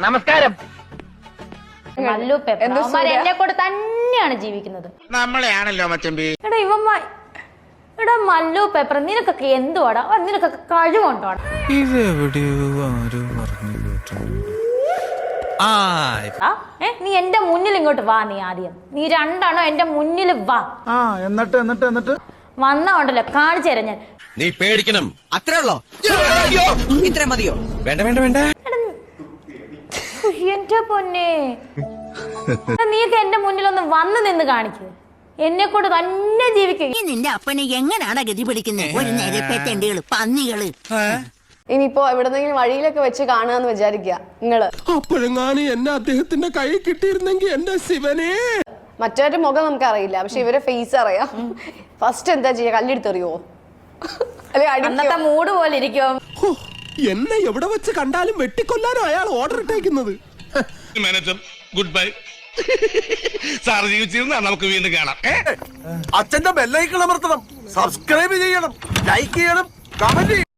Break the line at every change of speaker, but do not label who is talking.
നമസ്കാരം.
മല്ലു പേപ്പർ എന്നെ കൂടെ തന്നെയാണ് ജീവിക്കുന്നത്.
നമ്മളെയാണല്ലോ മച്ചമ്പി.
എടാ മല്ലു പേപ്പർ, നിനക്കൊക്കെ എന്തുവാടാ? നിനക്കൊക്കെ കഴിവുണ്ടോടാ? നീ എന്റെ മുന്നിൽ ഇങ്ങോട്ട് വാ. നീ ആദ്യം നീ രണ്ടാണോ എന്റെ മുന്നിൽ വാ.
എന്നിട്ട്
വന്നോണ്ടല്ലോ കാണിച്ചു തരാം ഞാൻ.
നീ പേടിക്കണം. അത്രേ ഉള്ളോ? ഇത്ര മതിയോ? വേണ്ട വേണ്ട വേണ്ട.
എന്റെ പൊന്നെ, നീക്ക് എന്റെ മുന്നിൽ ഒന്ന് വന്ന് നിന്ന് കാണിക്കുക. എന്നെ കൊണ്ട് തന്നെ ജീവിക്കുക.
നിന്റെ അപ്പനെ എങ്ങനെയാണ് ഗതി പിടിക്കുന്നത്? ഒരു നിരപ്പേറ്റേണ്ടികള് പന്നികള്.
ഇനിയിപ്പോ എവിടെന്നെങ്കിലും വഴിയിലൊക്കെ വെച്ച് കാണാന്ന് വിചാരിക്കുക നിങ്ങള്.
അപ്പോഴെങ്ങാനും എന്നെ അദ്ദേഹത്തിന്റെ കൈ കിട്ടിയിരുന്നെങ്കിൽ എന്റെ ശിവനെ.
മറ്റൊരു മുഖം നമുക്ക് അറിയില്ല, പക്ഷെ ഇവരെ ഫേസ് അറിയാം. ഫസ്റ്റ് എന്താ ചെയ്യാ? കല്ലെടുത്തെറിയോ?
അന്നത്തെ മൂഡ് പോലെ ഇരിക്കും.
എന്നെ എവിടെ വെച്ച് കണ്ടാലും വെട്ടിക്കൊല്ലാനോ അയാൾ ഓർഡർ ഇട്ടേക്കുന്നത്.
Manager good bye. സാർ ജീവിച്ചിരുന്ന നമുക്ക് വീണ്ടും കാണാം.
അച്ഛന്റെ ബെല്ലൈക്കൺ അമർത്തണം, സബ്സ്ക്രൈബ് ചെയ്യണം, ലൈക്ക് ചെയ്യണം, കമന്റ്